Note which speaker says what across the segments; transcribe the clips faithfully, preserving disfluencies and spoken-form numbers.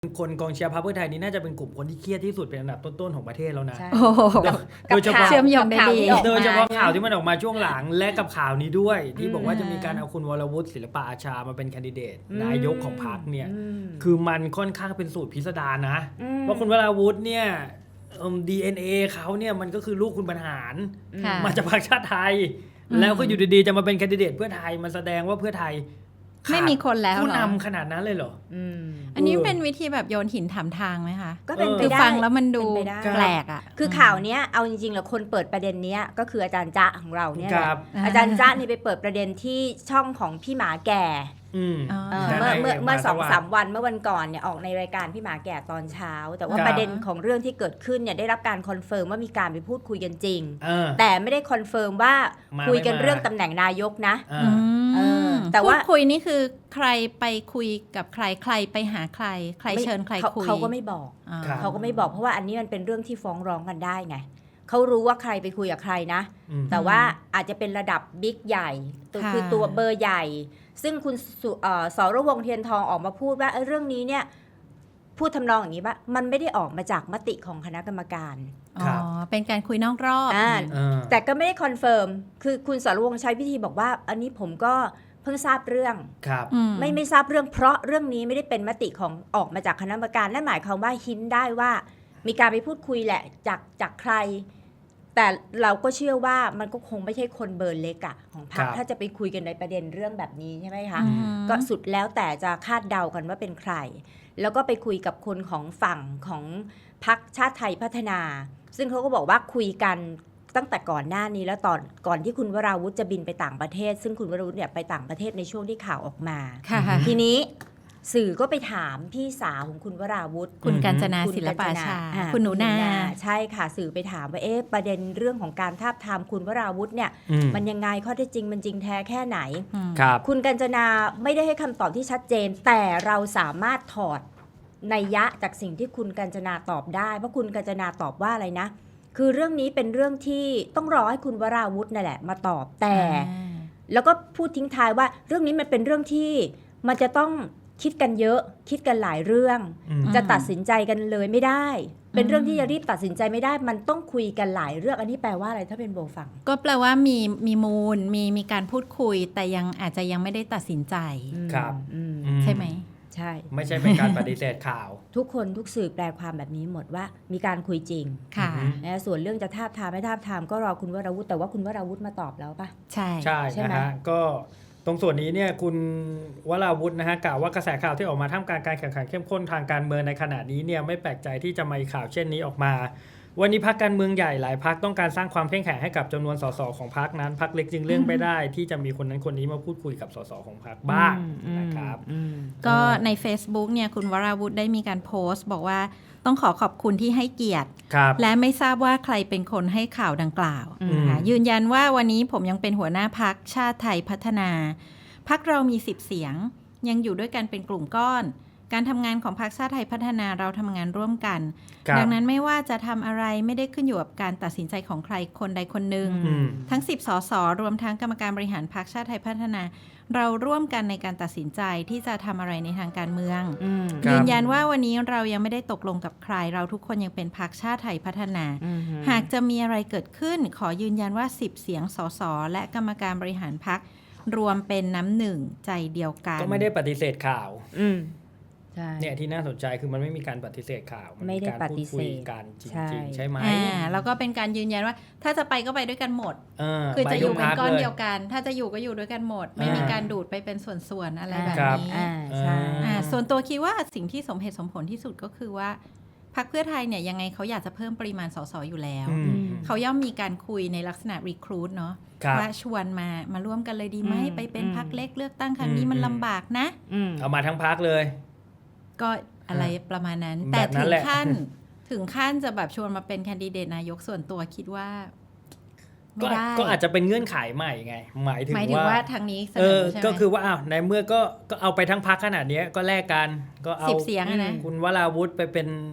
Speaker 1: คนกองเชียร์พรรคเพื่อไทยนี่น่าจะเป็นกลุ่มคนที่เครียดที่สุดเป็นอันดับต้นๆของประเทศแล้วนะ
Speaker 2: ใช่
Speaker 3: โอ้โห
Speaker 1: โดยเฉพาะ
Speaker 3: เชื่อมโยงได้ดี
Speaker 1: โดยเฉพาะข่าวที่มันออกมาช่วงหลังและกับข่าวนี้ด้วย ที่บอกว่าจะมีการเอาคุณวรวุฒิศิลปะอาชามาเป็นแคนดิเดตนายกของพรรคเนี่ยคือมันค่อนข้างเป็นสูตรพิสดารนะว่าคุณวรวุฒิเนี่ยดีเอ็นเอเขาเนี่ยมันก็คือลูกคุณบรรหาร
Speaker 3: ค่ะ
Speaker 1: มาจากพรรคชาติไทย แล้วก็อยู่ดีๆจะมาเป็นแคนดิเดตเพื่อไทยมันแสดงว่าเพื่อไทย
Speaker 3: ไม่มีคนแล้ว
Speaker 1: ผู้
Speaker 3: เหรอน
Speaker 1: ำขนาดนั้นเลยเหรอ
Speaker 2: อืม
Speaker 3: อันนี้เป็นวิธีแบบโยนหินถามทางไหมคะ
Speaker 2: ก็เป็นไป
Speaker 3: คือ
Speaker 2: ได้
Speaker 3: ฟังแล้วมันดู
Speaker 2: เป็นไปได้
Speaker 3: แปลกอ่ะ
Speaker 2: คือข่าวเนี้ยเอาจริงๆแล้วคนเปิดประเด็นเนี้ยก็คืออาจารย์จ๊ะของเราเนี่ยแห
Speaker 1: ค
Speaker 2: ละ
Speaker 1: รับ
Speaker 2: อาจารย์จ๊ะนี่ไปเปิดประเด็นที่ช่องของพี่หมาแก่
Speaker 1: อืม
Speaker 3: อ๋อ
Speaker 2: เออ
Speaker 1: ได้
Speaker 2: เมื่อ
Speaker 1: ได้
Speaker 2: เมื่อเมื่อ
Speaker 1: มา
Speaker 2: สอง
Speaker 1: สว่าง
Speaker 2: สามวันเมื่อวันก่อนเนี่ยออกในรายการพี่หมาแก่ตอนเช้า แต่ว่า
Speaker 1: ครับ
Speaker 2: ประเด็นของเรื่องที่เกิดขึ้นเนี่ยได้รับการคอนเฟิร์มว่ามีการไปพูดคุยกันจริง
Speaker 1: เออ
Speaker 2: แต่ไม่ได้คอนเฟิร์มว่า
Speaker 1: มา
Speaker 2: คุยกัน
Speaker 1: ไม่มา
Speaker 2: เรื่องตำแหน่งนายกนะ
Speaker 1: อ่า
Speaker 3: อืม
Speaker 2: เออแต่ว่า
Speaker 3: พูดคุยนี่คือใครไปคุยกับใครใครไปหาใคร ใครเชิญใคร
Speaker 2: เขา
Speaker 3: คุย
Speaker 2: เขาก็ไม่บอก
Speaker 3: อ่า
Speaker 1: ครับ
Speaker 2: เขาก็ไม่บอกเพราะว่าอันนี้มันเป็นเรื่องที่ฟ้องร้องกันได้ไงเขารู้ว่าใครไปคุยกับใครนะ
Speaker 1: อืม
Speaker 2: แต่ว่าอาจจะเป็นระดับบิ๊กใหญ่ตัว
Speaker 3: ค่ะ
Speaker 2: คือตัวเบอร์ใหญ่ ซึ่งคุณสุเอ่อสรวงศ์เทียนทองออกมาพูดว่าเอ้ยเรื่องนี้เนี่ยพูดทำนองอย่างนี้ว่ามันไม่ได้ออกมาจากมติของคณะกรรมการ
Speaker 3: อ๋อ เป็นการคุยนอกรอบ
Speaker 2: อ่า
Speaker 1: เออ
Speaker 2: แต่ก็ไม่ได้คอนเฟิร์มคือคุณสรวงศ์ใช้วิธีบอกว่า อันนี้ผมก็เพิ่งทราบเรื่อง
Speaker 1: ครับ
Speaker 3: อืม
Speaker 2: ไม่ไม่ทราบเรื่องเพราะเรื่องนี้ไม่ได้เป็นมติของออกมาจากคณะกรรมการนั่นหมายความว่าหินได้ว่ามีการไปพูดคุยแหละจากจากใคร แต่เราก็เชื่อว่ามันก็คงไม่ใช่คนเบอร์เล็กอะของพรรค
Speaker 1: ครับ
Speaker 2: ถ้าจะไปคุยกันในประเด็นเรื่องแบบนี้ใช่ไหมคะ
Speaker 3: อืม
Speaker 2: ก็สุดแล้วแต่จะคาดเดากันว่าเป็นใคร แล้วก็ไปคุยกับคนของฝั่งของพรรคชาติไทยพัฒนา ซึ่งเขาก็บอกว่าคุยกันตั้งแต่ก่อนหน้านี้แล้วตอนก่อนที่คุณวราวุธจะบินไปต่างประเทศ ซึ่งคุณวราวุธเนี่ยไปต่างประเทศในช่วงที่ข่าวออกมา
Speaker 3: ค่ะ
Speaker 2: ทีนี้สื่อก็ไปถามพี่สาวของคุณวราวุธ
Speaker 3: คุณกาญจนา
Speaker 2: คุณ
Speaker 3: ศิลปะอาชา
Speaker 2: อ่
Speaker 3: คุณหนูนา
Speaker 2: ใช่ค่ะสื่อไปถามว่าเอ๊ะประเด็นเรื่องของการทาบทามคุณวราวุธเนี่ย
Speaker 1: อืม
Speaker 2: มันยังไงข้อเท็จจริงมันจริงแท้แค่ไหน
Speaker 3: อืม
Speaker 1: ครับ
Speaker 2: คุณกัญจนาไม่ได้ให้คำตอบที่ชัดเจน แต่เราสามารถถอดนัยยะจากสิ่งที่คุณกัญจนาตอบได้เพราะคุณกัญจนาตอบว่าอะไรนะ คือเรื่องนี้เป็นเรื่องที่ต้องรอให้คุณวราวุธนั่นแหละมาตอบแต่ แล้วก็พูดทิ้งท้ายว่าเรื่องนี้มันเป็นเรื่องที่มันจะต้องคิดกันเยอะ คิดกันหลายเรื่อง
Speaker 1: อืม
Speaker 2: จะตัดสินใจกันเลยไม่ได้ เป็นเรื่องที่จะรีบตัดสินใจไม่ได้ มันต้องคุยกันหลายเรื่องอันนี้แปลว่าอะไรถ้าเป็นโบฟัง
Speaker 3: ก็แปลว่ามีมีมูลมีมีการพูดคุย แต่ยังอาจจะยังไม่ได้ตัดสินใจ
Speaker 1: ครับ
Speaker 2: อืม
Speaker 1: อื
Speaker 3: ใช่ไหม
Speaker 2: ใช่
Speaker 1: ไม่ใช่เป็นการปฏิเสธข่าว
Speaker 2: ทุกคนทุกสื่อแปลความแบบนี้หมดว่ามีการคุยจริง
Speaker 3: ค่ะ
Speaker 1: อืม
Speaker 2: นะส่วนเรื่องจะทาบทามไม่ทาบทามก็รอคุณวราวุธแต่ว่าคุณวราวุธมาตอบแล้วปะ
Speaker 3: ใช่
Speaker 1: ใช่
Speaker 2: ใช่ไหม
Speaker 1: นะฮะก็ตรงส่วนนี้เนี่ยคุณวราวุธนะฮะกล่าวว่ากระแสข่าวที่ออกมาท่ามกลางการแข่งขันเข้มข้นทางการเมืองในขณะนี้เนี่ยไม่แปลกใจที่จะมีข่าวเช่นนี้ออกมา วันนี้พรรคการเมืองใหญ่หลายพรรคต้องการสร้างความเข้มแข็งให้กับจำนวนสสของพรรคนั้นพรรคเล็กจึงเลื่อนไม่ได้ ที่จะมีคนนั้นคนนี้มาพูดคุยกับสสของพรรคบ้างนะครับ
Speaker 3: ก็ใน Facebook เนี่ยคุณวราวุธได้มีการโพสต์ บอกว่าต้องขอขอบคุณที่ให้เกียรติ
Speaker 1: ครับ
Speaker 3: และไม่ทราบว่าใครเป็นคนให้ข่าวดังกล่าว
Speaker 1: อืม
Speaker 3: นะคะยืนยันว่าวันนี้ผมยังเป็นหัวหน้าพักชาติไทยพัฒนาพักเรามีสิบเสียง ยังอยู่ด้วยกันเป็นกลุ่มก้อน การทำงานของพรรคชาติไทยพัฒนาเราทำงานร่วมกัน
Speaker 1: ครับ
Speaker 3: ดังนั้นไม่ว่าจะทำอะไรไม่ได้ขึ้นอยู่กับการตัดสินใจของใครคนใดคนหนึ่ง
Speaker 1: อืม
Speaker 3: ทั้งสิบสสรวมทั้งกรรมการบริหารพรรคชาติไทยพัฒนา เราร่วมกันในการตัดสินใจที่จะทำอะไรในทางการเมือง
Speaker 1: ครับ
Speaker 3: ยืนยันว่าวันนี้เรายังไม่ได้ตกลงกับใคร เราทุกคนยังเป็นพรรคชาติไทยพัฒนา หากจะมีอะไรเกิดขึ้น ขอยืนยันว่าสิบเสียงสสและกรรมการบริหารพรรครวมเป็นน้ำหนึ่งใจเดียวกัน
Speaker 1: ก็ไม่ได้ปฏิเสธข่าว
Speaker 2: อืมใช่
Speaker 1: เนี่ยที่น่าสนใจคือมันไม่มีการปฏิเสธข่าวมัน
Speaker 2: ไม่ได้
Speaker 1: การ
Speaker 2: ป
Speaker 1: พู
Speaker 2: ฏิ
Speaker 1: ด
Speaker 2: เสธ
Speaker 1: คุยกันจ
Speaker 2: ใช่
Speaker 1: ริงๆใช่ไหม
Speaker 3: อ่าแล้วก็เป็นการยืนยันว่า ถ้าจะไปก็ไปด้วยกันหมด
Speaker 1: เออ
Speaker 3: คือจะอยู่
Speaker 1: ไป
Speaker 3: เป็น
Speaker 1: ทุพรรค
Speaker 3: ก้อน
Speaker 1: ล
Speaker 3: เดียวกัน ถ้าจะอยู่ก็อยู่ด้วยกันหมด ไม่มี
Speaker 1: อ่า
Speaker 3: การดูดไปเป็นส่วนๆอะไรแบบ
Speaker 1: ครับ
Speaker 3: นี้
Speaker 2: อ่าใช่
Speaker 3: อ่าส่วนตัวคิดว่าสิ่งที่สมเหตุสมผลที่สุดก็คือว่าพรรคเพื่อไทยเนี่ยยังไงเขาอยากจะเพิ่มปริมาณสสอยู่แล้ว
Speaker 1: อืม
Speaker 3: เขาย่อมมีการคุยในลักษณะรีครูทเนาะ
Speaker 1: ครับ
Speaker 3: ว่าชวนมามาร่วมกันเลยดีไหม
Speaker 2: อืม
Speaker 3: ไปเป็น
Speaker 2: อืม
Speaker 3: พรรคเล็กเลือกตั้งครั้งนี้
Speaker 1: อืม
Speaker 3: มัน
Speaker 1: อืม
Speaker 3: ลำบากนะ
Speaker 2: อืม
Speaker 1: เอามาทั้งพักเลย
Speaker 3: ก็อะไรประมาณนั้น
Speaker 1: แบบ
Speaker 3: แต่
Speaker 1: นั้
Speaker 3: ถึ
Speaker 1: น
Speaker 3: ง
Speaker 1: แหละ
Speaker 3: ขั้น ถึงขั้นจะแบบชวนมาเป็นแคนดิเดตนายกส่วนตัวคิดว่า ไม่
Speaker 1: ก็
Speaker 3: ได้
Speaker 1: ก็อาจจะเป็นเงื่อนไขใหม่ไง หมายถึง
Speaker 3: หมายถึง
Speaker 1: ว่า
Speaker 3: ว่าทางนี้เส
Speaker 1: เอน อ
Speaker 3: อใช่ไหม
Speaker 1: ก็คือว่าอ้าวในเมื่อก็ก็เอาไปทั้งพักขนาดเนี้ยก็แลกกันก็เอา
Speaker 3: สิบเสียงอะนะ
Speaker 1: คุณวราวุธไปเป็น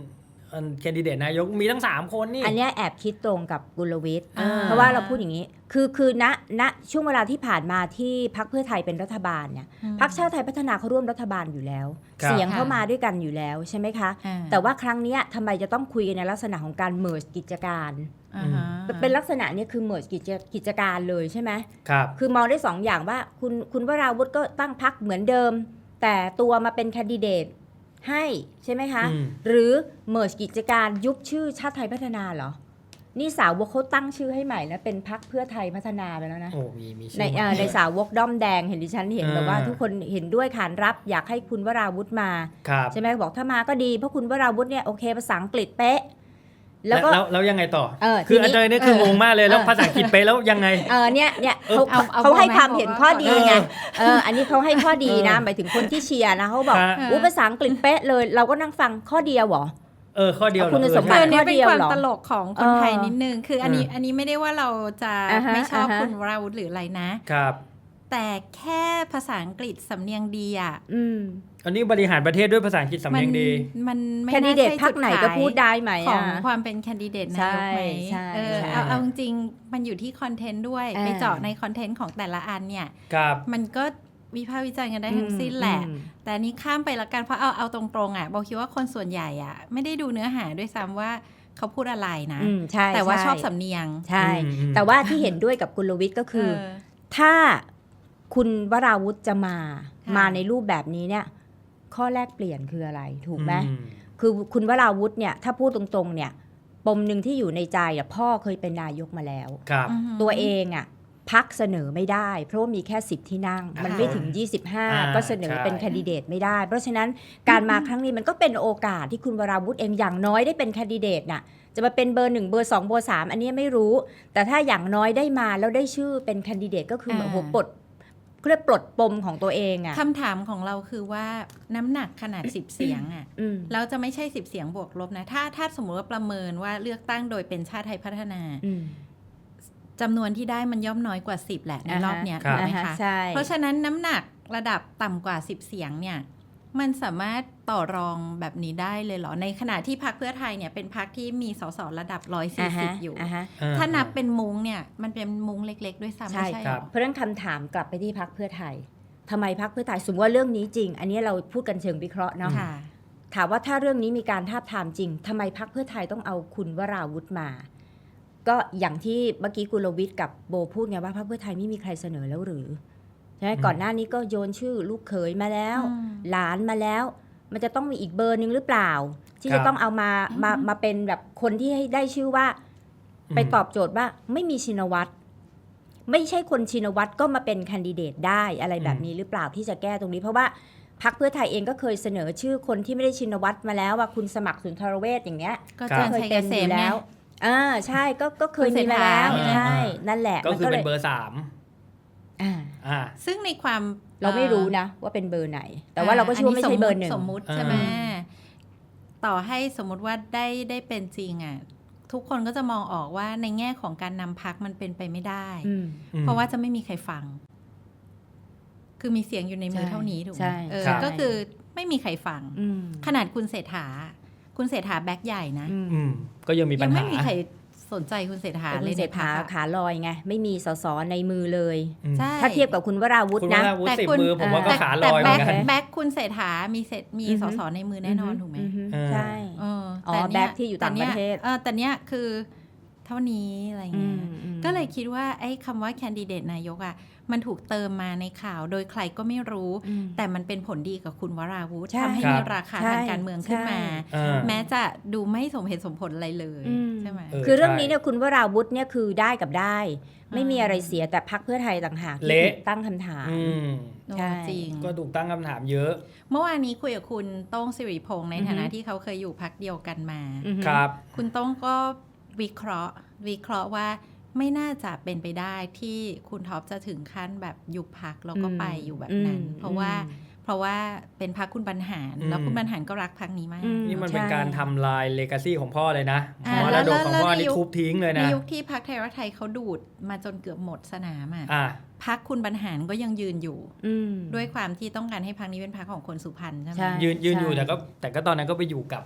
Speaker 1: แคนดิเดตนายกมีทั้งสามคนนี่
Speaker 2: อันเนี้ยแอบคิดตรงกับกุลวิทย์
Speaker 1: อ่า
Speaker 2: เพราะว่าเราพูดอย่างนี้ คือคือณณช่วงเวลาที่ผ่านมาที่พรรคเพื่อไทยเป็นรัฐบาลเนี่ย
Speaker 3: อืม
Speaker 2: พรรคชาติไทยพัฒนาเขาร่วมรัฐบาลอยู่แล้ว
Speaker 1: ครับ
Speaker 2: เสียงเข้ามาด้วยกันอยู่แล้วใช่ไหมคะ
Speaker 3: อ่า
Speaker 2: แต่ว่าครั้งเนี้ยทำไมจะต้องคุยกันในลักษณะของการเมิร์จกิจการ
Speaker 3: อ่าฮะ
Speaker 2: เป็นลักษณะเนี้ยคือเมิร์จกิจกิจการเลยใช่ไหม
Speaker 1: ครับ
Speaker 2: คือมองได้สองอย่างว่าคุณคุณวราวุธก็ตั้งพรรคเหมือนเดิม แต่ตัวมาเป็นแคนดิเดตให้ใช่ไหมคะ
Speaker 1: อืม
Speaker 2: หรือเมิร์จกิจการยุบชื่อชาติไทยพัฒนาเหรอ นี่สาวกเขาตั้งชื่อให้ใหม่แล้วเป็นพรรคเพื่อไทยพัฒนาไปแล้วนะ
Speaker 1: โอ้มีมีชื่
Speaker 2: ใน
Speaker 1: อ
Speaker 2: เอ่อ
Speaker 1: มา
Speaker 2: ในสาวกด้อมแดงเห็นดิฉันเห็น
Speaker 1: เออ
Speaker 2: แบบว่าทุกคนเห็นด้วยขานรับอยากให้คุณวราวุธมา
Speaker 1: ครับ
Speaker 2: ใช่ไหมบอกถ้ามาก็ดีเพราะคุณวราวุธเนี่ยโอเคภาษาอังกฤษเป๊ะ แล้
Speaker 1: แล้ว ว
Speaker 2: ก็
Speaker 1: แล้วแล้วยังไงต่อ
Speaker 2: เออ
Speaker 1: คือ
Speaker 2: ทีนี้
Speaker 1: อาจารย์นี่คืองงมากเลยแล้ว
Speaker 2: เออ
Speaker 1: ภาษาอังกฤษไปแล้วยังไง
Speaker 2: เออเนี่ยเนี่ย
Speaker 1: เออ
Speaker 2: เขา
Speaker 3: เอาเอา
Speaker 2: เขาให้
Speaker 3: บอกไหม
Speaker 2: ความเห็นข้อดีไง
Speaker 1: เออ
Speaker 2: เอออันนี้เขาให้ข้อดีนะ
Speaker 1: เออ
Speaker 2: หมายถึงคนที่เชียร์นะเขาบอก
Speaker 1: ฮะ
Speaker 2: อู้ภาษาอังกฤษเป๊ะเลย เราก็นั่งฟังข้อเดียวเหรอ
Speaker 1: เออข้อเดียวเหรอ
Speaker 2: คุณสมบั
Speaker 3: คือ
Speaker 2: ติ
Speaker 3: อันนี้เป็นความ
Speaker 2: ข้อเดียวเหรอ
Speaker 3: ตลกของคนไทย
Speaker 2: เออ
Speaker 3: นิดนึง คืออันนี้
Speaker 1: เอออั
Speaker 3: อันนี้ไม่ได้ว่าเราจะ
Speaker 2: อ่าฮะ
Speaker 3: ไม่ชอบ
Speaker 2: อ่าฮะ
Speaker 3: คุณวราวุธหรืออะไรนะ
Speaker 1: ครับ
Speaker 3: แต่แค่ภาษาอังกฤษสำเนียงดีอ่ะ
Speaker 2: อืม
Speaker 1: อันนี้บริหารประเทศด้วยภาษาอังกฤษสำ
Speaker 3: มั
Speaker 1: เนียงดี
Speaker 3: มันไม่
Speaker 2: แคนดิ
Speaker 3: น่า
Speaker 2: เดต
Speaker 3: ใช่
Speaker 2: พรร
Speaker 3: จุ
Speaker 2: ค
Speaker 3: ด
Speaker 2: ไหน
Speaker 3: ขาย
Speaker 2: ก็พูดได้ไหม
Speaker 3: ขอ
Speaker 2: อ่ะ
Speaker 3: งความเป็นแคนดิเดตนายกไหม
Speaker 2: ใช่
Speaker 3: เออ
Speaker 2: ใช่
Speaker 3: เอาเอาจริงๆมันอยู่ที่คอนเทนต์ด้วย
Speaker 2: อ่า
Speaker 3: ไปเจาะในคอนเทนต์ของแต่ละอันเนี่ย
Speaker 1: ครับ
Speaker 3: มันก็วิพากษ์วิจารณ์กันได้ทั้งสิ้นแหละ
Speaker 2: อืม
Speaker 3: แต่อันนี้ข้ามไปละกันเพราะเอาเอาตรงๆอ่ะบอกคิดว่าคนส่วนใหญ่อ่ะ ไม่ได้ดูเนื้อหาด้วยซ้ำว่าเขาพูดอะไรนะ
Speaker 2: อืมใช่
Speaker 3: แต่ว่า
Speaker 2: ใ
Speaker 3: ชอบสำเนียง
Speaker 2: ใช่
Speaker 1: อืมอืม
Speaker 2: แต่ว่าที่เห็นด้วยกับกุลวิทย์ก็คือ
Speaker 3: เออ
Speaker 2: ถ้าคุณวราวุธจะมา
Speaker 3: ค่ะ
Speaker 2: มาในรูปแบบนี้เนี่ย ข้อแรกเปลี่ยนคืออะไรถูกไหม
Speaker 1: อืม
Speaker 2: คือคุณวราวุธเนี่ยถ้าพูดตรงๆเนี่ยปมหนึ่งที่อยู่ในใจอ่ะพ่อเคยเป็นนายกมาแล้ว
Speaker 1: ครับ
Speaker 3: อือหือ
Speaker 2: ตัวเองอ่ะพักเสนอไม่ได้ เพราะว่ามีแค่สิบที่นั่ง มันไม่ถึง ยี่สิบห้า
Speaker 1: อ่า
Speaker 2: ก็เสนอ
Speaker 1: ใช่
Speaker 2: เป็นแคนดิเดตไม่ได้ เพราะฉะนั้นการมาครั้งนี้มันก็เป็นโอกาสที่คุณวราวุธเองอย่างน้อยได้เป็นแคนดิเดตน่ะจะมาเป็นเบอร์หนึ่งเบอร์สองเบอร์สามอันนี้ไม่รู้ แต่ถ้าอย่างน้อยได้มาแล้วได้ชื่อเป็นแคนดิเดตก็คือเหมือน
Speaker 3: อ่า
Speaker 2: โอ้โหปลดเขาเรียกปลดปมของตัวเองอ่ะ
Speaker 3: คำถามของเราคือว่าน้ำหนักขนาด สิบ เสียงอ่ะ
Speaker 2: อืม
Speaker 3: เราจะไม่ใช่ สิบ เสียงบวกลบนะ ถ้าถ้าสมมติว่าประเมินว่าเลือกตั้งโดยเป็นชาติไทยพัฒนา
Speaker 2: อืม
Speaker 3: จำนวนที่ได้มันย่อมน้อยกว่า สิบ แหละในรอบเนี้ย
Speaker 1: ครับ
Speaker 3: ถูกไหม
Speaker 2: อ่า
Speaker 3: คะ
Speaker 2: ฮะใช่
Speaker 3: เพราะฉะนั้นน้ำหนักระดับต่ำกว่า สิบ เสียงเนี่ยมันสามารถต่อรองแบบนี้ได้เลยเหรอ ในขณะที่พรรคเพื่อไทยเนี่ยเป็นพรรคที่มีสสระดับ หนึ่งร้อยสี่สิบ อยู่
Speaker 2: าฮะ
Speaker 1: อ่
Speaker 3: ถ้านับเป็นมุ้งเนี่ยมันเป็นมุ้งเล็ก ๆ ด้วยซ้ำ
Speaker 2: ใช่
Speaker 3: ไม่ใช่
Speaker 1: ค
Speaker 3: เหร
Speaker 1: รับ
Speaker 3: อ
Speaker 2: เพราะฉะนั้นคำถามกลับไปที่พักเพื่อไทยทำไมพักเพื่อไทยสมมติว่าเรื่องนี้จริง อันนี้เราพูดกันเชิงวิเคราะห์เนาะ
Speaker 3: ค่ะ
Speaker 2: ถามว่าถ้าเรื่องนี้มีการทาบทามจริงทำไมพักเพื่อไทยต้องเอาคุณวราวุธมา ก็อย่างที่เมื่อกี้กุลวิทย์กับโบพูดไงว่าพักเพื่อไทยไม่มีใครเสนอแล้วหรือใช่ไหม
Speaker 1: อืม
Speaker 2: ก่อนหน้านี้ก็โยนชื่อลูกเขยมาแล้ว
Speaker 3: อืม
Speaker 2: หลานมาแล้ว มันจะต้องมีอีกเบอร์หนึ่งหรือเปล่า ที่
Speaker 1: ครั
Speaker 2: จะ
Speaker 1: บ
Speaker 2: ต้องเอามามามาเป็นแบบคนที่ให้ได้ชื่อว่า ไปตอบโจทย์ว่าไม่มีชินวัตรไม่ใช่คนชินวัตรก็มาเป็นแคนดิเดตได้อะไรแบบนี้หรือเปล่าที่จะแก้ตรงนี้ เพราะว่าพรรคเพื่อไทยเองก็เคยเสนอชื่อคนที่ไม่ได้ชินวัตรมาแล้วว่าคุณสมัครสุนทรเวชอย่างเงี้ย
Speaker 3: ก็
Speaker 1: ครั
Speaker 3: จา
Speaker 1: บ
Speaker 3: น
Speaker 2: เคย
Speaker 3: ชัยเก
Speaker 2: เป็น
Speaker 3: ษ
Speaker 2: อ
Speaker 3: ม
Speaker 2: ยู่
Speaker 3: ไง
Speaker 2: แล้วอ่าใช่ก็ก็เคยมีมาแล้ว
Speaker 3: คุณเศรษฐา
Speaker 2: ใช่นั่นแหละ
Speaker 1: ก็คือ
Speaker 2: มั
Speaker 1: เป็น
Speaker 2: ลย
Speaker 1: เบอร์สาม
Speaker 2: อ่า
Speaker 1: อ่า
Speaker 3: ซึ่งในความ
Speaker 2: เราไม่รู้นะว่าเป็นเบอร์ไหน แต่ว่าเราก็เชื่อว่าไม่ใช่เบอร์หนึ่ง
Speaker 3: สมมุติ
Speaker 1: อ่า
Speaker 3: ใช่ไหมต่อให้สมมุติว่าได้ได้เป็นจริงอ่ะทุกคนก็จะมองออกว่าในแง่ของการนำพักมันเป็นไปไม่ได้
Speaker 2: อืม
Speaker 1: อืม
Speaker 3: เพราะว่าจะไม่มีใครฟัง คือมีเสียงอยู่ในมือ
Speaker 2: ใช่
Speaker 3: เท่านี้ถูกไห
Speaker 2: ใช่
Speaker 3: มเออ
Speaker 1: ครับ
Speaker 3: ก็คือไม่มีใครฟัง
Speaker 2: อืม
Speaker 3: ขนาดคุณเศรษฐา คุณเศรษฐาแบ็คใหญ่นะ
Speaker 2: อืม
Speaker 1: อืมก็ยังมีปั
Speaker 3: ยั
Speaker 1: ญ
Speaker 3: ง
Speaker 1: หา
Speaker 3: ไม่มีใครสนใจคุณเศรษฐา
Speaker 2: แต่คุ
Speaker 3: เล
Speaker 2: ณ
Speaker 3: ย
Speaker 2: เศร
Speaker 3: ใน
Speaker 2: ษ
Speaker 3: พั
Speaker 2: ฐาก
Speaker 3: อะ
Speaker 2: ขาลอยไงไม่มีสสในมือเลย
Speaker 1: อืม
Speaker 3: ใช่
Speaker 2: ถ้าเทียบกับคุณวราวุธ
Speaker 1: คุณ
Speaker 2: นะ
Speaker 1: ว่าวุฒิ
Speaker 3: แต่
Speaker 1: สิบ
Speaker 3: คุณ
Speaker 1: มือผมว่าก็
Speaker 3: แต่
Speaker 1: ขาล
Speaker 3: แต่
Speaker 1: อยเหมื
Speaker 3: แบ็
Speaker 1: อ
Speaker 3: คน
Speaker 1: กัน
Speaker 3: แบ็คคุณเศรษฐามีเศรษมี
Speaker 2: อือฮึ
Speaker 3: สสในมือแน่นอนถูกไหม
Speaker 2: อืฮึ
Speaker 1: เออ
Speaker 2: ใช่
Speaker 3: เออ
Speaker 2: อ๋อ
Speaker 3: แต่เนี่ย
Speaker 2: แบ็คที่อยู่ต่างประเทศ
Speaker 3: แต่นี่ยเออแต่เนี้ยคือเท่านี้อะไร
Speaker 2: อื
Speaker 3: เงี้
Speaker 2: ม
Speaker 3: ย
Speaker 2: อืม
Speaker 3: ก็เลยคิดว่าไอ้คำว่าแคนดิเดตนายกอ่ะมันถูกเติมมาในข่าวโดยใครก็ไม่รู้
Speaker 2: อืม
Speaker 3: แต่มันเป็นผลดีกับคุณวราวุธ
Speaker 2: ใช่
Speaker 3: ทำให้
Speaker 1: ครับ
Speaker 3: มีราคา
Speaker 2: ใช่
Speaker 3: ทางการเมืองขึ้นมา
Speaker 2: ใช่
Speaker 1: เออ
Speaker 3: แม้จะดูไม่สมเหตุสมผลอะไรเลย
Speaker 2: อืม
Speaker 3: ใช่ไหม
Speaker 1: เออ
Speaker 2: คือเรื่อง
Speaker 1: ใช่
Speaker 2: นี้เนี่ยคุณวราวุธเนี่ยคือได้กับได้ ไม่มี
Speaker 3: อ่า
Speaker 2: อะไรเสียแต่พักเพื่อไทยต่างหากที่
Speaker 1: เละ
Speaker 2: ถูกตั้งคำถาม
Speaker 1: อืม
Speaker 3: โอ้
Speaker 2: ใช่
Speaker 3: จริง
Speaker 1: ก็ถูกตั้งคำถามเยอะ
Speaker 3: เมื่อวานนี้คุยกับคุณโต้งสิริพงษ์ใน
Speaker 2: อือฮึ
Speaker 3: ฐานะที่เขาเคยอยู่พักเดียวกันมา
Speaker 2: อือฮึ
Speaker 1: ครับ
Speaker 3: คุณโต้งก็วิเคราะห์ วิเคราะห์ว่าไม่น่าจะเป็นไปได้ที่คุณท็อปจะถึงขั้นแบบยุบพักแล้วก็ไปอยู่แบบนั้น
Speaker 2: อืม
Speaker 3: เพราะว่า
Speaker 2: อืม
Speaker 3: เพราะว่าเป็นพักคุณบรรหาร
Speaker 1: อืม
Speaker 3: แล้วคุณบรรหารก็รักพักนี้มาก
Speaker 2: อืม
Speaker 1: นี่มันเป็น
Speaker 2: ใช่
Speaker 1: การทำลายเลกาซีของพ่อเลยนะ
Speaker 3: อ่าม
Speaker 1: รดกของพ่อ
Speaker 3: แล้วแล้ว
Speaker 1: นี่
Speaker 3: ในยุค
Speaker 1: ทุบทิ้งเลย
Speaker 3: ใน
Speaker 1: นะ
Speaker 3: ยุคที่พักไทยรักไทยเขาดูดมาจนเกือบหมดสนามอ่ะ
Speaker 1: อ่า
Speaker 3: พักคุณบรรหารก็ยังยืนอยู่
Speaker 2: อืม
Speaker 3: ด้วยความที่ต้องการให้พักนี้เป็นพักของคนสุพรรณใช่ไหม
Speaker 2: ใช่
Speaker 1: ยืนยืนอยู่
Speaker 2: ใช่
Speaker 1: แต่ก็แต่ก็ตอนนั้นก็ไปอยู่กับ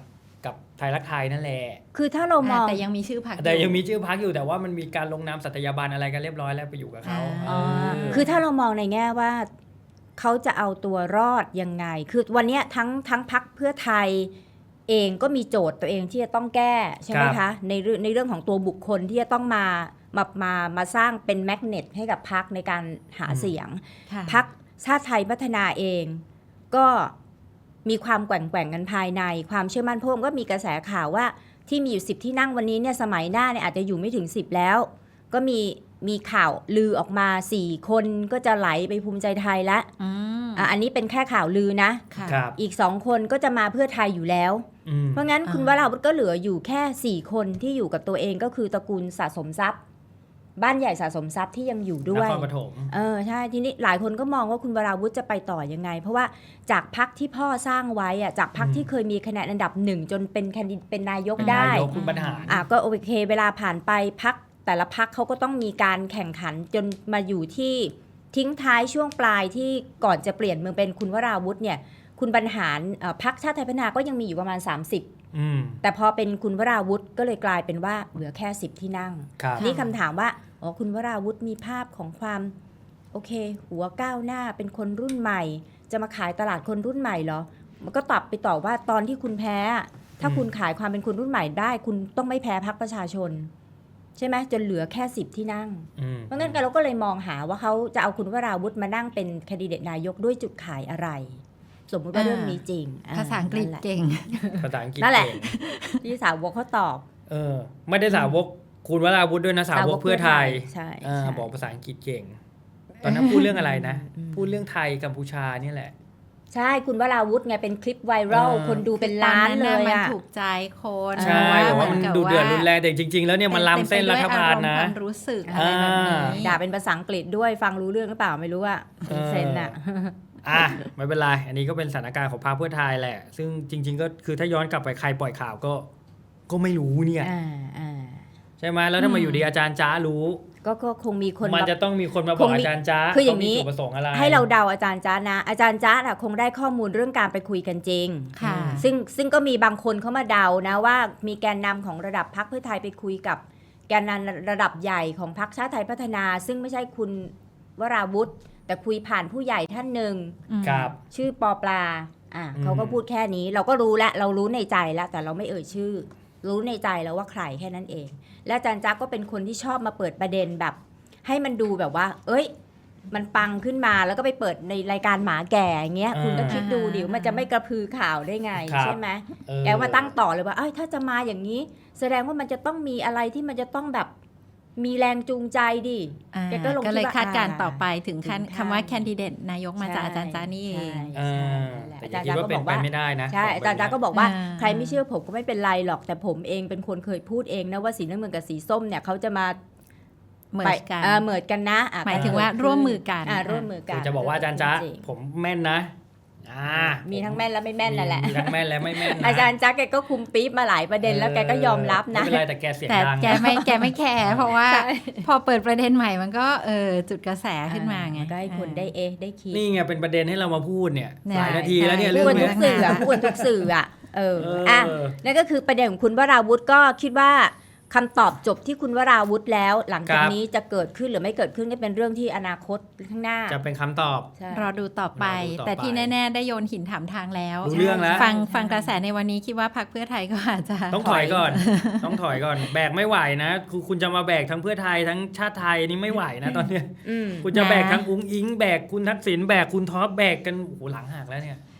Speaker 1: กับไทยรักไทยนั่นแหละ
Speaker 2: คือถ้าเรามอง
Speaker 3: แต่ยังมีชื่อพรรค
Speaker 1: แต่ยังมีชื่อพรรคอยู่แต่ว่ามันมีการลงนามสัตยาบันอะไรกันเรียบร้อยแล้วไปอยู่กับเขา
Speaker 3: อ่า
Speaker 1: เออ
Speaker 2: คือถ้าเรามองในแง่ว่าเขาจะเอาตัวรอดยังไง คือวันเนี้ยทั้งทั้งพรรคเพื่อไทยเองก็มีโจทย์ตัวเองที่จะต้องแก้ใช่ไหม
Speaker 1: ครั
Speaker 2: คะ
Speaker 1: บ
Speaker 2: ในเรื่องในเรื่องของตัวบุคคลที่จะต้องมามามามาสร้างเป็นแมกเนตให้กับพรรคในการหาเสียง
Speaker 3: ค่ะ
Speaker 2: พรรคชาติไทยพัฒนาเอง ก็มีความแกว่งแกว่งกันภายใน ความเชื่อมั่นเพราะว่าก็มีกระแสข่าวว่าที่มีอยู่สิบที่นั่งวันนี้เนี่ยสมัยหน้าเนี่ยอาจจะอยู่ไม่ถึงสิบแล้ว ก็มีมีข่าวลือออกมาสี่คนก็จะไหลไปภูมิใจไทยละ
Speaker 3: อืม
Speaker 2: อ่ะอันนี้เป็นแค่ข่าวลือนะ
Speaker 3: ค่ะ
Speaker 1: ครับ
Speaker 2: อีกสองคนก็จะมาเพื่อไทยอยู่แล้ว
Speaker 1: อืม
Speaker 2: เพราะงั้น
Speaker 3: อ่า
Speaker 2: คุณวราวุธก็เหลืออยู่แค่สี่คนที่อยู่กับตัวเองก็คือตระกูลสะสมทรัพย์ บ้านใหญ่สะสมทรัพย์ที่ยังอยู่ด้
Speaker 1: น
Speaker 2: วย
Speaker 1: ครปฐม
Speaker 2: เออใช่ทีนี้หลายคนก็มองว่าคุณวราวุธจะไปต่อยังไง เพราะว่าจากพักที่พ่อสร้างไว้อะจากพักที่เคยมีคะแนนอันดับหนึ่งจนเป็นแคนดิเป็นนายกได้
Speaker 1: นายกคุณบรรหาร
Speaker 2: อ่ะก็โอเคเวลาผ่านไปพักแต่ละพักเขาก็ต้องมีการแข่งขันจนมาอยู่ที่ทิ้งท้ายช่วงปลายที่ก่อนจะเปลี่ยนเมืองเป็นคุณวราวุธเนี่ยคุณบรรหารเอ่อพักชาติไทยพัฒนาก็ยังมีอยู่ประมาณ สามสิบ
Speaker 1: อืม
Speaker 2: แต่พอเป็นคุณวราวุธก็เลยกลายเป็นว่าเหลือแค่สิบที่นั่ง
Speaker 1: ครับ
Speaker 2: นี่คำถามว่าอ๋อคุณวราวุธมีภาพของความโอเค หัวก้าวหน้าเป็นคนรุ่นใหม่ จะมาขายตลาดคนรุ่นใหม่เหรอ มันก็ตอบไปต่อว่าตอนที่คุณแพ้ ถ้าคุณขายความเป็นคนรุ่นใหม่ได้ คุณต้องไม่แพ้พรรคประชาชน ใช่ไหมจนเหลือแค่สิบที่นั่ง
Speaker 1: อืม
Speaker 2: เพราะงั้นเราก็เลยมองหาว่าเขาจะเอาคุณวราวุธมานั่งเป็นแคนดิเดตนายกด้วยจุดขายอะไร สมมติว่า
Speaker 3: อ่า
Speaker 2: เรื่องนี้จริง
Speaker 3: ภาษาอังกฤษ
Speaker 2: นั่นแหละ
Speaker 3: เก่ง
Speaker 1: ภาษาอังกฤษ
Speaker 2: นั่นแหละ
Speaker 1: เก่ง
Speaker 2: ที่สาวกเขาตอบ
Speaker 1: เออ ไม่ได้สาวกคุณวราวุธด้วยนะสาวกเพื่อไทย
Speaker 2: ใช่
Speaker 1: เออ
Speaker 2: ใช่
Speaker 1: บอกภาษาอังกฤษเก่ง ตอนนั้นพูดเรื่องอะไรนะ
Speaker 2: อืม
Speaker 1: พูดเรื่องไทยกัมพูชานี่แหละ
Speaker 2: ใช่คุณวราวุธไงเป็นคลิปไวรัล
Speaker 1: เออ
Speaker 2: คนดูเป็นล้านเล
Speaker 3: ตอน
Speaker 2: ย
Speaker 3: มัน
Speaker 2: อะ
Speaker 3: ถูกใจคน
Speaker 1: ใช่
Speaker 3: เพ
Speaker 1: แต่
Speaker 3: ราะ
Speaker 1: ว่า
Speaker 3: เห
Speaker 1: มัน
Speaker 3: กับ
Speaker 1: ดูเดือด
Speaker 3: ว่า
Speaker 1: รุนแรงแต่จริง ๆ แล้วเนี่ยมันล้ำเส้นรัฐบาลนะ
Speaker 3: เต็มไปด้วยอารมณ์ความรู้สึกอะไรแบบนี้
Speaker 1: อ่า
Speaker 2: ด่าเป็นภาษาอังกฤษด้วยฟังรู้เรื่องหรือเปล่าไม่รู้อะ
Speaker 1: เออ
Speaker 2: เซนอะ
Speaker 1: อ่ะไม่เป็นไร อันนี้ก็เป็นสถานการณ์ของพรรคเพื่อไทยแหละ ซึ่งจริง ๆ ก็คือถ้าย้อนกลับไปใครปล่อยข่าวก็ ก็ไม่รู้เนี่ย
Speaker 2: อ่าอ่า
Speaker 1: ใช่ไหมแล้วถ้ามาอยู่ดีอาจารย์จ้ารู้
Speaker 2: ก็ก็คงมีคน
Speaker 1: มัน
Speaker 2: มา
Speaker 1: จะต้องมีคนมาบ
Speaker 2: ค
Speaker 1: อก
Speaker 2: งมี
Speaker 1: อาจารย์จ้า
Speaker 2: คืออย่างนี้
Speaker 1: นี้จุดประสงค์อะไร
Speaker 2: ให้เราเดาอาจารย์จ้านะ อาจารย์จ้าอะคงได้ข้อมูลเรื่องการไปคุยกันจริง
Speaker 3: ค่ะ
Speaker 2: ซึ่งซึ่งก็มีบางคนเขามาเดานะว่ามีแกนนำของระดับพรรคเพื่อไทยไปคุยกับแกนนำระดับใหญ่ของพรรคชาติไทยพัฒนา ซึ่งไม่ใช่คุณวราวุธ แต่คุยผ่านผู้ใหญ่ท่านหนึ่ง
Speaker 1: ครับ
Speaker 2: ชื่อปอปลาอ่ะ
Speaker 1: อืม
Speaker 2: เขาก็พูดแค่นี้ เราก็รู้แล้วเรารู้ในใจแล้วแต่เราไม่เอ่ยชื่อ รู้ในใจแล้วว่าใครแค่นั้นเอง และอาจารย์จักก็เป็นคนที่ชอบมาเปิดประเด็นแบบ ให้มันดูแบบว่า เอ้ย มันปังขึ้นมาแล้วก็ไปเปิดในรายการหมาแก่อย่างเงี้ย คุณก็คิดดูดิว่ามันจะไม่กระพือข่าวได้ไง
Speaker 1: ครับ
Speaker 2: ใช่ไหม
Speaker 1: เออ
Speaker 2: แกมาตั้งต่อเลยว่า เอ้ย ถ้าจะมาอย่างนี้ แสดงว่ามันจะต้องมีอะไรที่มันจะต้องแบบมีแรงจูงใจดิ
Speaker 3: อ่า
Speaker 2: แกก็ลง
Speaker 3: ก็เลย
Speaker 2: คิดว่า
Speaker 3: คาดการณ์
Speaker 2: อ่า
Speaker 3: ต่อไปถึงขั้น
Speaker 2: ถึงขั้น
Speaker 3: คำว่าแคนดิเดตนายกมาจากอาจารย์จานี่เอง
Speaker 2: ใช่
Speaker 1: อ่า
Speaker 2: ใช่
Speaker 1: แต่
Speaker 2: อา
Speaker 1: อย่า
Speaker 2: จาร
Speaker 1: คิด
Speaker 2: ย์จัก
Speaker 1: ว่า
Speaker 2: ก็
Speaker 1: เป็น
Speaker 2: บอกว่า
Speaker 1: ไปไม่ได้นะ
Speaker 2: ใช่
Speaker 1: ข
Speaker 2: อาจารย์จักก็
Speaker 1: บ
Speaker 2: บอกว่า
Speaker 3: อ่า
Speaker 2: ใครไม่เชื่อผมก็ไม่เป็นไรหรอก แต่ผมเองเป็นคนเคยพูดเองนะว่าสีน้ำเงินกับสีส้มเนี่ยเขาจะมา
Speaker 3: เหมือ
Speaker 2: ไป
Speaker 3: นกัน
Speaker 2: เออเหมือนกันนะอ่ะ
Speaker 3: หมายถึงว่าร่วมมือกัน
Speaker 2: อ่าร่วมมือกั
Speaker 1: คื
Speaker 2: น
Speaker 1: อจะบอกว่าอาจารย์จ้า
Speaker 2: จง
Speaker 1: ผมแม่นนะอ่า
Speaker 2: มี
Speaker 1: มี
Speaker 2: ทั้งแม่นและไม่แม่นนั่นแหละ
Speaker 1: มีทั้งแม่นและไม่แม่นนะ
Speaker 2: อาจารย์จักแกก็คุมปี๊บมาหลายประเด็นแล้วแกก็ยอมรับนะ
Speaker 1: ไม่เป็นไรแต่แกเสียง
Speaker 3: แต่
Speaker 1: ดัง
Speaker 3: แก
Speaker 1: นะ
Speaker 3: ไม่แกไม่แคร์เพราะว่า
Speaker 2: ใช่
Speaker 3: พอเปิดประเด็นใหม่มันก็เออจุดกระแสขึ้นมาไง
Speaker 2: ก็ให้คนได้เอะได้คิด
Speaker 1: นี่ไงเป็นประเด็นให้เรามาพูดเนี่ย
Speaker 3: เนี่ย
Speaker 1: หลายนาทีแล้วเนี่ย
Speaker 3: ใช่
Speaker 1: เรื่
Speaker 2: พู
Speaker 1: อ
Speaker 2: ด
Speaker 1: ง
Speaker 2: กัน
Speaker 1: เนี้
Speaker 2: ทุ
Speaker 1: ย
Speaker 2: กสื่ออะพูดกันทุกสื่ออ่ะเออ
Speaker 1: เอออ่
Speaker 2: อ่ะนั่นก็คือประเด็นของคุณวราวุธก็คิดว่าคำตอบจบที่คุณวราวุธแล้ว หลังจากนี้จะเกิดขึ้นหรือไม่เกิดขึ้นก็เป็นเรื่องที่อนาคตข้างหน้า
Speaker 1: จะเป็นคำตอบ
Speaker 2: ใช่
Speaker 3: รอดูต่อไป
Speaker 1: รอดูต่อไป
Speaker 3: แต่ที่แน่ๆ ได้โยนหินถามทางแล้ว
Speaker 1: รู้เรื่องแล้ว
Speaker 3: ฟังฟังกระแสในวันนี้คิดว่าพรรคเพื่อไทยก็อาจจะ
Speaker 1: ต้องถอยก่อน ต้องถอยก่อน แบกไม่ไหวนะคือคุณจะมาแบกทั้งเพื่อไทยทั้งชาติไทยนี่ไม่ไหวนะตอนเนี้ย
Speaker 2: อืม
Speaker 1: คุณจะแบกทั้งอุ้งอิงแบกคุณทักษิณแบกคุณท็อปแบกกันโอ้โหหลังหักแล้วเนี่ย